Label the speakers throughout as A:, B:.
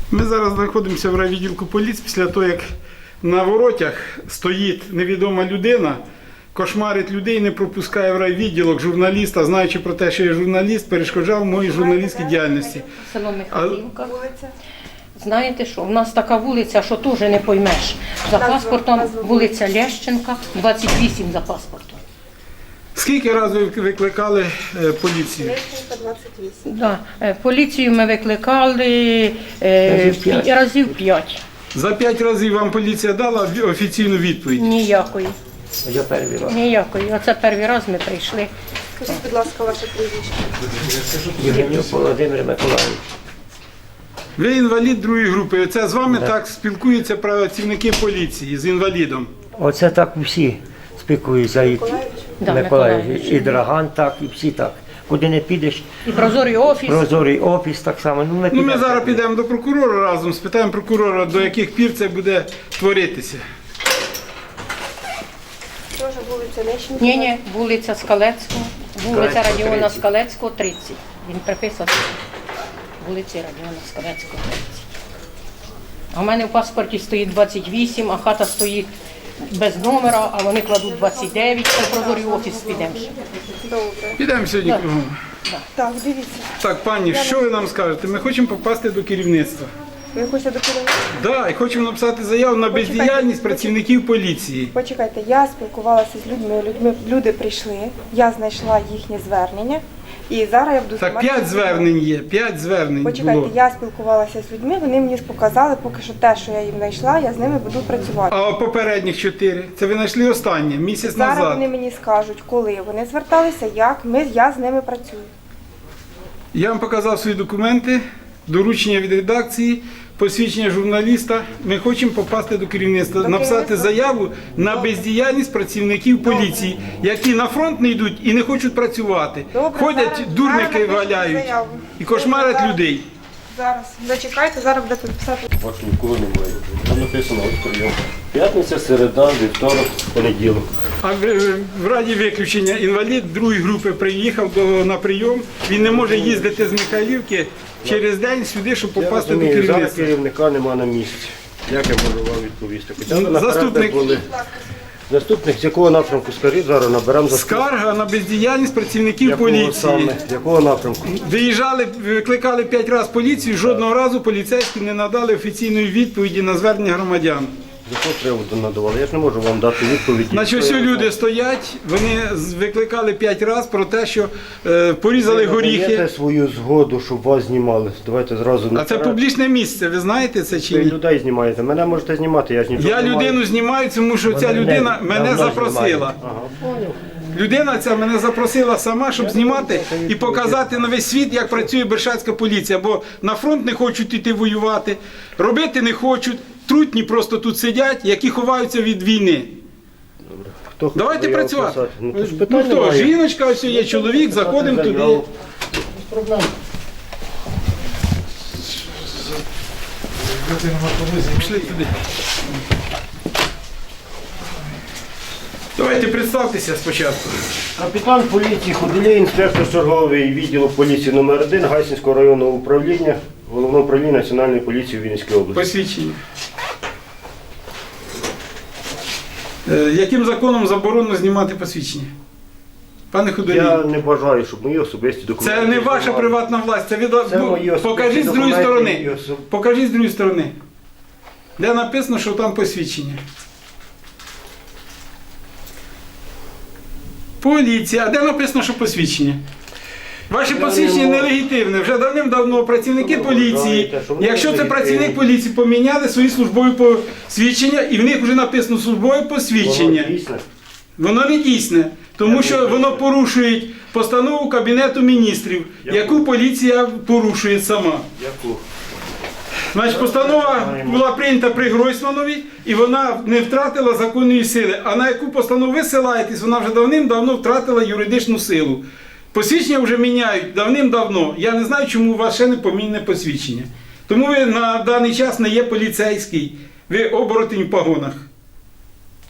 A: Ми зараз знаходимося в райвідділку поліції після того, як на воротях стоїть невідома людина, кошмарить людей, не пропускає в райвідділок журналіста, знаючи про те, що я журналіст, перешкоджав моїй журналістській діяльності.
B: Село Михайлівка. Знаєте що, в нас така вулиця, що теж не поймеш. За паспортом вулиця Лещенка, 28 за паспортом.
A: Скільки разів ви викликали поліцію?
C: Лещенка, 28.
B: Да. Поліцію ми викликали разів 5.
A: За 5 разів вам поліція дала офіційну відповідь?
B: Ніякої.
D: Я перший раз.
B: Ніякої. Оце перший раз ми прийшли.
C: Скажіть, будь ласка, ваше прізвище.
D: Євгенюк Володимир Миколаївич.
A: Ви інвалід другої групи. Це з вами так спілкуються працівники поліції з інвалідом?
D: Оце так всі спілкуються. І
B: Да,
D: Миколаївич, і Драган так, і всі так. Куди не підеш,
B: І прозорий офіс.
D: прозорий офіс так само.
A: Ну, ми зараз підемо до прокурора разом, спитаємо прокурора, до яких пір це буде творитися.
C: Теж вулиця Лещенка.
B: Ні, вулиця Скалецького. Вулиця
D: Скалецького,
B: Радіона
D: 30.
B: Скалецького, 30. Він приписаний. Вулиці Радіона Скалецького, 30. А в мене в паспорті стоїть 28, а хата стоїть без номера, а вони кладуть 29, то прозорий офіс підемо.
C: Добре.
A: Підемо сьогодні кругом.
C: Так, дивіться.
A: Так, пані, що ви нам скажете? Ми хочемо попасти до керівництва.
C: Ви хочете до керівника?
A: Так, і хочемо написати заяву на бездіяльність працівників поліції.
C: Почекайте, я спілкувалася з людьми, люди прийшли, я знайшла їхнє звернення, і зараз я буду
A: Так,
C: знімати
A: 5
C: відео.
A: звернень є, 5 звернень
C: Почекайте,
A: було.
C: я спілкувалася з людьми, вони мені показали, поки що те, що я їм знайшла, я з ними буду працювати.
A: А попередніх 4? Це ви знайшли останнє, місяць
C: Зараз
A: назад.
C: вони мені скажуть, коли вони зверталися, як я з ними працюю.
A: Я вам показав свої документи, доручення від редакції, посвідчення журналіста. Ми хочемо попасти до керівництва,
C: До
A: написати
C: керівництва?
A: заяву на бездіяльність працівників поліції, які на фронт не йдуть і не хочуть працювати.
C: Добре,
A: Ходять,
C: зараз
A: дурники
C: напишіть
A: валяють
C: заяву.
A: і кошмарять
C: Зараз.
A: людей.
C: Зараз, зачекайте, зараз будете писати.
E: Бачу, ніколи немає. Там написано ось прийом. П'ятниця, середа, вівторок, понеділок.
A: А в раді виключення інвалід другої групи приїхав на прийом. Він не може їздити з Михайлівки через день сюди, щоб
E: Я
A: попасти до
E: розумію, зараз
A: керівництва.
E: керівника нема на місці. Як я можу вам відповісти? Хоча б наперед
A: Заступник.
E: були. Заступник з якого напрямку, скажіть, зараз наберемо заступника.
A: Скарга на бездіяльність працівників
E: Якого
A: поліції.
E: саме? Якого напрямку?
A: Виїжджали, викликали 5 разів поліцію, жодного разу поліцейські не надали офіційної відповіді на звернення громадян.
E: З якого приводу надавали? Я ж не можу вам дати відповіді.
A: Значить, ось люди стоять, вони викликали 5 разів про те, що порізали
E: Ви
A: горіхи.
E: надаєте свою згоду, щоб вас знімали. Давайте зразу
A: А це
E: наперед.
A: публічне місце, ви знаєте це чи
E: Ви
A: ні?
E: людей знімаєте. Мене можете знімати, я ж нічого
A: Я
E: не маю.
A: людину знімаю, тому що ця
E: Мене
A: людина мене
E: давно
A: запросила.
E: знімають. Ага, поняв.
A: Людина ця мене запросила сама, щоб знімати і показати на весь світ, як працює Бершацька поліція. Бо на фронт не хочуть йти воювати, робити не хочуть. Трутні просто тут сидять, які ховаються від війни.
E: Хто
A: Давайте
E: заяву
A: працювати.
E: писати? Ну, то ж
A: Ну
E: питань
A: хто,
E: немає.
A: жіночка, ось є чоловік, заходимо туди.
E: Заяву.
A: Пішли туди. Давайте представтеся спочатку.
E: Капітан поліції Худолій, інспектор черговий відділу поліції номер 1 Гайсинського районного управління, Головного управління Національної поліції у Вінницькій області.
A: Посвідчення. Яким законом заборонено знімати посвідчення? Пане Худолій,
E: Я не бажаю, щоб мої особисті документи.
A: це не ваша
E: знімали.
A: приватна власть, це від...
E: Це мої особисті
A: Покажіть з другої
E: документи,
A: сторони.
E: мої особ-
A: Покажіть з другої сторони. Де написано, що там посвідчення. Поліція. А де написано, що посвідчення? Ваше
E: Я
A: посвідчення
E: не можу.
A: нелегітимне. Вже давним-давно працівники
E: Ви
A: поліції,
E: вважаєте, що воно
A: якщо це
E: нелегітимне?
A: працівник поліції, поміняли свої службові посвідчення, і в них вже написано службове посвідчення.
E: Воно дійсне?
A: Воно не дійсне, тому
E: Я
A: що
E: думаю,
A: воно
E: що-
A: порушує постанову Кабінету міністрів, яку поліція порушує сама.
E: Яку?
A: Значить, постанова була прийнята при Гройсманові, і вона не втратила законної сили. А на яку постанову ви ссилаєтесь, вона вже давним-давно втратила юридичну силу. Посвідчення вже міняють давним-давно. Я не знаю, чому у вас ще не помінне посвідчення. Тому ви на даний час не є поліцейський, ви оборотень в погонах.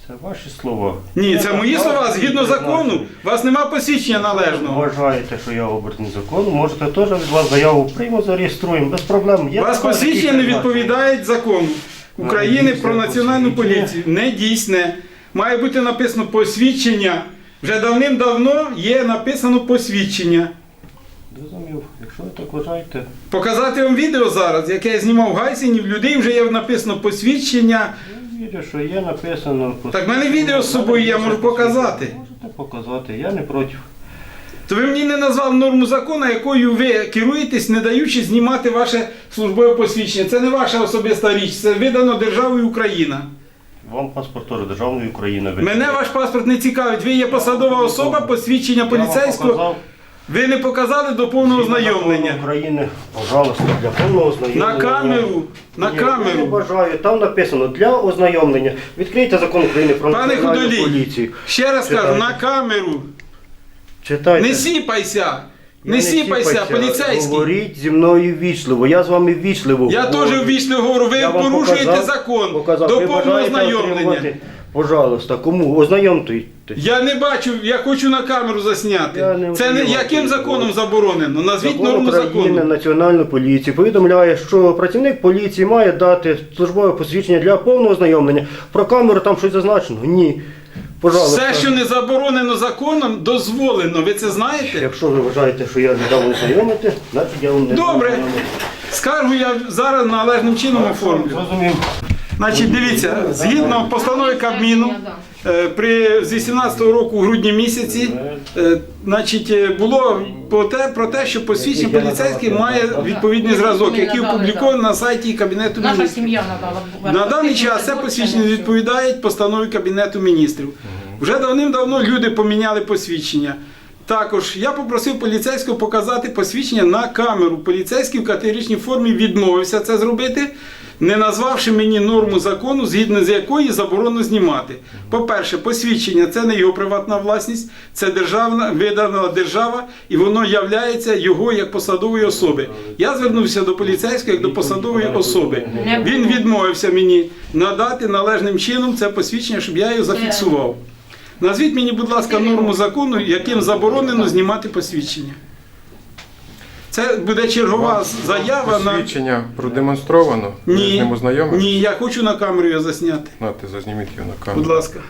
E: Це ваші слова.
A: Ні, це мої слова. Згідно закону, у вас нема посвідчення належного.
E: Вважаєте, що я обертний закону, можете теж від вас заяву приймемо, зареєструємо, без проблем. Є
A: У вас
E: така
A: посвідчення не
E: різниця.
A: відповідає закону України про національну поліцію. Не дійсне. Має бути написано посвідчення. Вже давним-давно є написано посвідчення.
E: Зрозумів. Якщо ви так вважаєте,
A: Показати вам відео зараз, яке я знімав в Гайсині, в людей вже є написано посвідчення.
E: я вірю, що є написано.
A: Так в мене відео з собою, я можу показати.
E: Можете показати, я не проти.
A: То ви мені не назвали норму закону, якою ви керуєтесь, не даючи знімати ваше службове посвідчення. Це не ваша особиста річ, це видано державою Україна.
E: Вам паспорт теж державної України.
A: Мене ваш паспорт не цікавить. Ви є посадова особа, посвідчення поліцейського. Ви не показали до повного ознайомлення.
E: України, пожалуйста, для повного ознайомлення.
A: На камеру, на
E: Ні, Я не
A: камеру.
E: бажаю, там написано для ознайомлення. Відкрийте закон України про
A: Пане
E: національну
A: Худолій,
E: поліцію.
A: ще раз кажу,
E: Читайте.
A: на камеру.
E: Читайте.
A: Не сіпайся.
E: Я
A: Не сіпайся,
E: сіпаюся.
A: поліцейський.
E: Говоріть зі мною ввічливо, я з вами ввічливо
A: Я
E: говорю.
A: теж ввічливо говорю, ви
E: Я вам
A: порушуєте
E: показав,
A: закон
E: показав.
A: до
E: Ви
A: повного
E: бажаєте
A: ознайомлення.
E: отримувати? Пожалуйста, кому? Ознайомтуйте.
A: Я не бачу, я хочу на камеру засняти.
E: Я не
A: Це не
E: ознайомлюю.
A: яким законом заборонено? Назвіть
E: Закон
A: норму
E: України,
A: закону.
E: Національну поліцію повідомляє, що працівник поліції має дати службове посвідчення для повного ознайомлення. Про камеру там щось зазначено? Ні. Пожалуйста.
A: Все, що не заборонено законом, дозволено. Ви це знаєте?
E: Якщо ви вважаєте, що я не дав ознайомити, значить я вам не дам
A: Добре.
E: ознайомити.
A: Скаргу я зараз належним чином оформлю.
E: Зрозумів.
A: Значить, дивіться, згідно постанови Кабміну, з 18-го року у грудні місяці, було про те, що посвідчення поліцейський має відповідний зразок, який опублікований на сайті Кабінету
B: Наша
A: міністрів.
B: сім'я надала.
A: На даний час це посвідчення відповідає постанові Кабінету міністрів. Вже давним-давно люди поміняли посвідчення. Також я попросив поліцейського показати посвідчення на камеру. Поліцейський в категоричній формі відмовився це зробити, не назвавши мені норму закону, згідно з якої заборонено знімати. По-перше, посвідчення – це не його приватна власність, це державна, видана держава, і воно являється його як посадової особи. Я звернувся до поліцейського як до посадової особи. Він відмовився мені надати належним чином це посвідчення, щоб я його зафіксував. Назвіть мені, будь ласка, норму закону, яким заборонено знімати посвідчення. Це буде чергова заява на...
F: Посвідчення продемонстровано? Ви з ним ознайомились?
A: Ні, я хочу на камеру його засняти.
F: Нате, зазніміть його на камеру.
A: Будь ласка.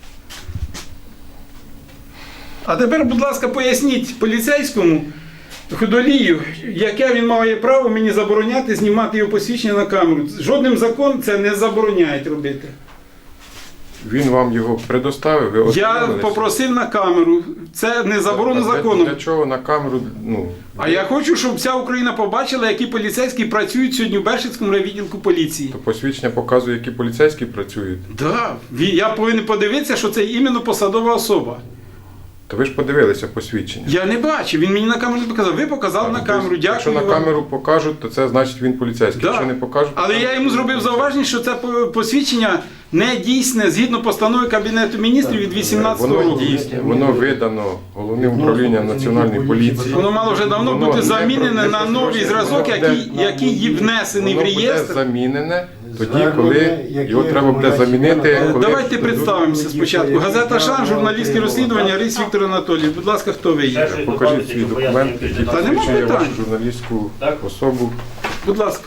A: А тепер, будь ласка, поясніть поліцейському Худолію, яке він має право мені забороняти знімати його посвідчення на камеру. Жодним законом це не забороняє робити.
F: Він вам його предоставив, ви
A: Я
F: ознайомились?
A: попросив на камеру. Це не заборонено
F: А
A: законом.
F: Для чого на камеру?
A: А я хочу, щоб вся Україна побачила, які поліцейські працюють сьогодні в Бершицькому райвідділку поліції.
F: То посвідчення показує, які поліцейські працюють.
A: Так, я повинен подивитися, що це іменно посадова особа.
F: То ви ж подивилися посвідчення.
A: Я не бачив, він мені на камеру не показав. Ви показали на камеру,
F: Тобто,
A: дякую
F: якщо на
A: вам.
F: камеру покажуть, то це значить він поліцейський.
A: Да.
F: Якщо не покажуть,
A: Але
F: то
A: я йому зробив зауваження, що це посвідчення не дійсне згідно постанови Кабінету міністрів від 18
F: воно
A: року.
F: дійсне, воно видано Головним управлінням Національної поліції.
A: Воно мало вже давно
F: Воно
A: бути
F: не
A: замінене на новий зразок, який внесений в
F: Воно буде
A: реєстр.
F: замінене тоді, коли його треба буде замінити. Коли
A: Давайте представимося спочатку. Газета «Шан», журналістське розслідування, Рис Віктор Анатолійович. Будь ласка, хто ви є?
F: Покажіть свій документ, який
A: Та нема
F: посвідчує
A: питань.
F: вашу журналістську особу.
A: Будь ласка.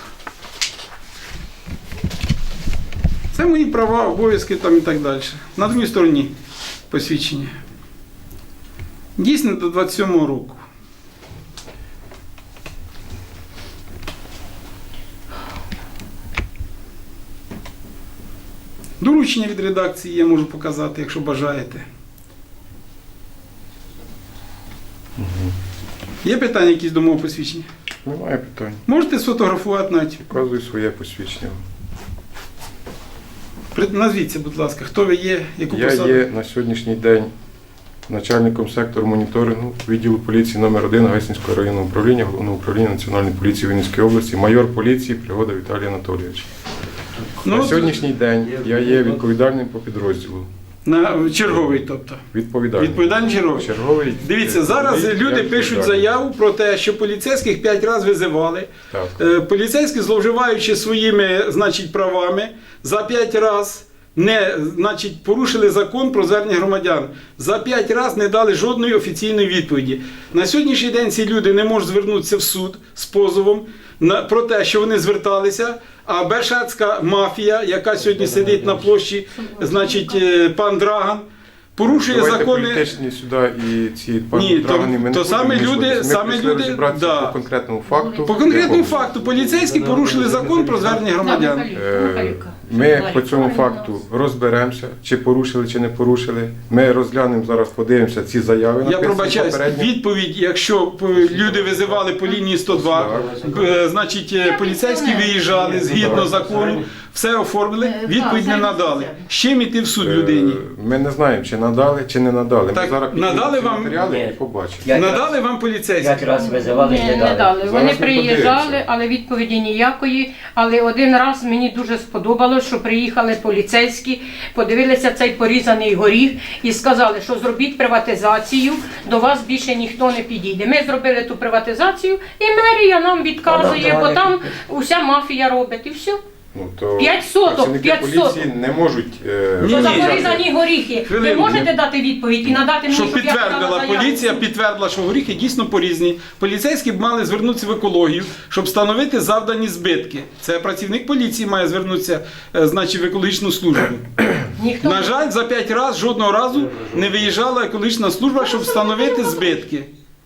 A: Це мої права, обов'язки там і так далі. На другій стороні посвідчення. Дійсно до 27-го року. Доручення від редакції я можу показати, якщо бажаєте. Є питання якісь до мого посвідчення?
F: Немає питань.
A: Можете сфотографувати навіть.
F: Показую своє посвідчення.
A: Назвіться, будь ласка, хто ви є, яку
F: Я
A: посаду?
F: є на сьогоднішній день начальником сектору моніторингу відділу поліції номер 1 Гайсинського районного управління Головного управління Національної поліції Вінницької області, майор поліції Пригода Віталій Анатолійович.
A: Ну,
F: На сьогоднішній день я є відповідальним по підрозділу.
A: на черговий, тобто.
F: Відповідальний.
A: Відповідальний черговий.
F: Черговий.
A: Дивіться, зараз
F: я
A: люди пишуть
F: відповідальний.
A: заяву про те, що поліцейських 5 разів визивали.
F: Так.
A: Поліцейські, зловживаючи своїми, значить, правами, за 5 разів значить, порушили закон про звернення громадян. За 5 разів не дали жодної офіційної відповіді. На сьогоднішній день ці люди не можуть звернутися в суд з позовом про те, що вони зверталися, а Бершацька мафія, яка сьогодні сидить на площі, значить, пан Драган, порушує
F: Давайте
A: закони.
F: політичні сюди і ці
A: Ні,
F: пані Драгани ми не
A: то
F: будемо
A: саме люди-
F: вмішуватись. Ми
A: саме
F: прийшли
A: люди,
F: розібратися
A: да.
F: по конкретному факту.
A: По конкретному
F: якому-
A: факту поліцейські порушили закон про звернення громадян.
F: Ми по цьому факту розберемося, чи порушили, чи не порушили. Ми розглянемо зараз, подивимося ці заяви.
A: Я
F: написані
A: пробачаюсь,
F: попередньо.
A: відповідь, якщо люди визивали по лінії 102, значить поліцейські виїжджали згідно закону, все оформили, відповідь не надали. З чим іти в суд людині?
F: Ми не знаємо, чи надали, чи не надали.
A: Так,
F: Ми зараз піднімемо
A: надали
F: ці
A: вам?
F: матеріали
D: Ні.
F: і побачимо.
A: Надали вам поліцейські?
D: 5 разів визивали,
B: Ні,
D: не
B: не
D: дали.
B: дали.
F: Зараз
B: Вони
F: ми
B: приїжджали,
F: подивимося.
B: але відповіді ніякої. Але один раз мені дуже сподобалось, що приїхали поліцейські, подивилися цей порізаний горіх і сказали, що зробіть приватизацію, до вас більше ніхто не підійде. Ми зробили ту приватизацію, і мерія нам відказує,
D: Вона
B: бо там
D: давай.
B: уся мафія робить, і все.
F: Ну, то
B: 5 соток,
F: працівники
B: 5
F: поліції
B: соток.
F: не можуть
A: Ні,
B: Що за
A: ні.
B: порізані горіхи? Ви
A: Хвилинку.
B: можете дати відповідь і надати мені,
A: Щоб
B: щоб я
A: підтвердила
B: подала заяву?
A: поліція, підтвердила, що горіхи дійсно порізні. Поліцейські б мали звернутися в екологію, щоб встановити завдані збитки. Це працівник поліції має звернутися, значить, в екологічну службу.
B: Ніхто
A: На жаль, за 5 разів жодного разу не виїжджала екологічна служба, щоб встановити збитки.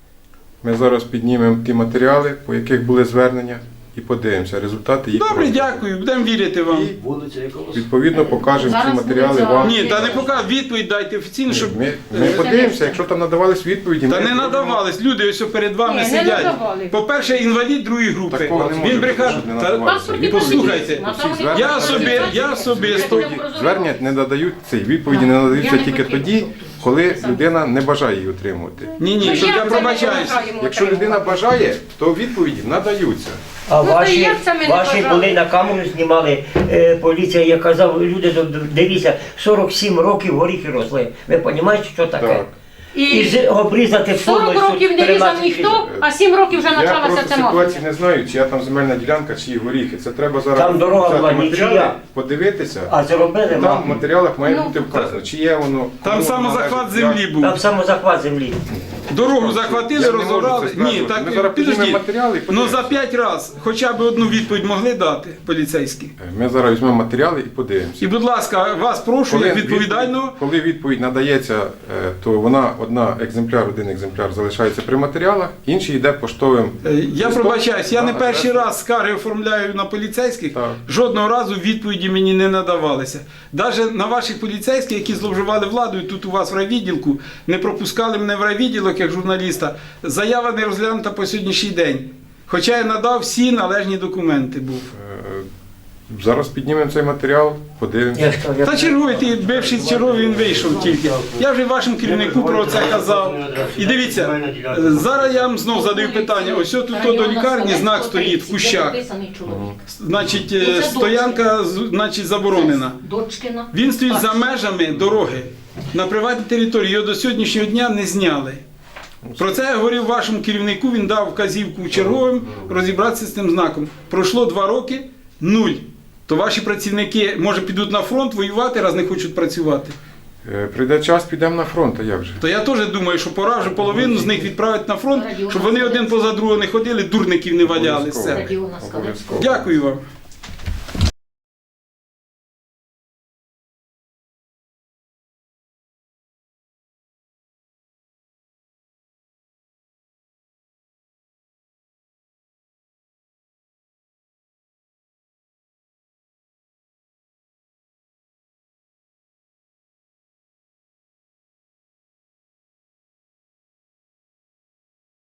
F: Ми зараз піднімемо ті матеріали, по яких були звернення, і подивимося результати їх.
A: Добре,
F: розгляду.
A: дякую, будемо вірити вам.
F: Відповідно, покажемо ці
B: Зараз
F: матеріали
B: буде
F: вам.
A: Ні, та не покажу, відповідь дайте офіційно, щоб...
F: Ми подивимося, якщо там надавались відповіді.
A: Та
F: ми
A: не надавались, люди ось перед вами
B: Ні, не
A: сидять.
B: надавали.
A: По-перше, інвалід другої групи.
F: Такого не може
A: Він
F: бути,
A: брехав.
F: щоб не
A: Та-
F: надавалися.
B: Паспорт і
A: Послухайте,
B: посвідчення.
A: я особисто...
F: Звернення не надають цей відповіді, не надаються тільки тоді, коли людина не бажає її отримувати.
A: Ні, щоб я пробачаюсь.
F: Якщо людина бажає, то відповіді надаються.
D: А
B: Ну, то
D: ваші,
B: як це ми не
D: ваші
B: бажали?
D: були на камеру знімали, поліція, я казав, люди, дивіться, 47 років горіхи росли. Ви розумієте, що таке?
F: Так.
D: І
B: І
D: обрізати
B: 40 років не різав ніхто, а 7 років вже
F: Я
B: почалася
F: просто
B: ця мафія.
F: ситуації не знаю, чия там земельна ділянка, чиї горіхи. Це треба зараз
D: Там дорога
F: взяти
D: була
F: матеріали,
D: нічия.
F: подивитися.
D: А зробили
F: Там в
D: мапу.
F: матеріалах має
B: Ну,
F: бути вказано, чиє воно.
A: Там
F: кому
A: самозахват
F: належить,
A: землі
F: як.
A: був.
D: Там самозахват землі.
A: Дорогу захватили,
F: Я не можу
A: розорали.
F: це стверджувати.
A: Ні,
F: Ми
A: так
F: зараз піднімемо
A: підождіть.
F: матеріали і
A: Ну
F: подивимося.
A: за 5 разів хоча б одну відповідь могли дати поліцейські.
F: Ми зараз візьмемо матеріали і подивимося.
A: І, будь ласка, вас прошу, як відповідального.
F: Коли відповідь надається, то вона один екземпляр залишається при матеріалах, інший йде поштовим.
A: Я
F: листом
A: пробачаюсь, я
F: на
A: не перший
F: адресу.
A: раз скарги оформляю на поліцейських,
F: Так.
A: жодного разу відповіді мені не надавалися. Навіть на ваших поліцейських, які зловживали владою тут у вас в райвідділку, не пропускали мене в райвідділок як журналіста, заява не розглянута по сьогоднішній день. Хоча я надав всі належні документи був.
F: Зараз піднімемо цей матеріал, подивимося.
A: Та черговий, ти бивший черговий, він вийшов тільки. Я вже вашому керівнику про це казав. І дивіться, зараз я вам знов задаю питання. Ось тут до лікарні знак стоїть в кущах. Значить, стоянка значить, заборонена.
B: Дочкина.
A: Він стоїть за межами дороги на приватній території. Його до сьогоднішнього дня не зняли. Про це я говорив вашому керівнику, він дав вказівку черговим розібратися з тим знаком. Пройшло 2 роки, 0. То ваші працівники, може, підуть на фронт воювати, раз не хочуть працювати.
F: Прийде час, підемо на фронт, а як же?
A: То я теж думаю, що пора вже половину з них відправити на фронт, щоб вони один поза другого не ходили, дурників не валялися.
F: Обов'язково.
A: Дякую вам.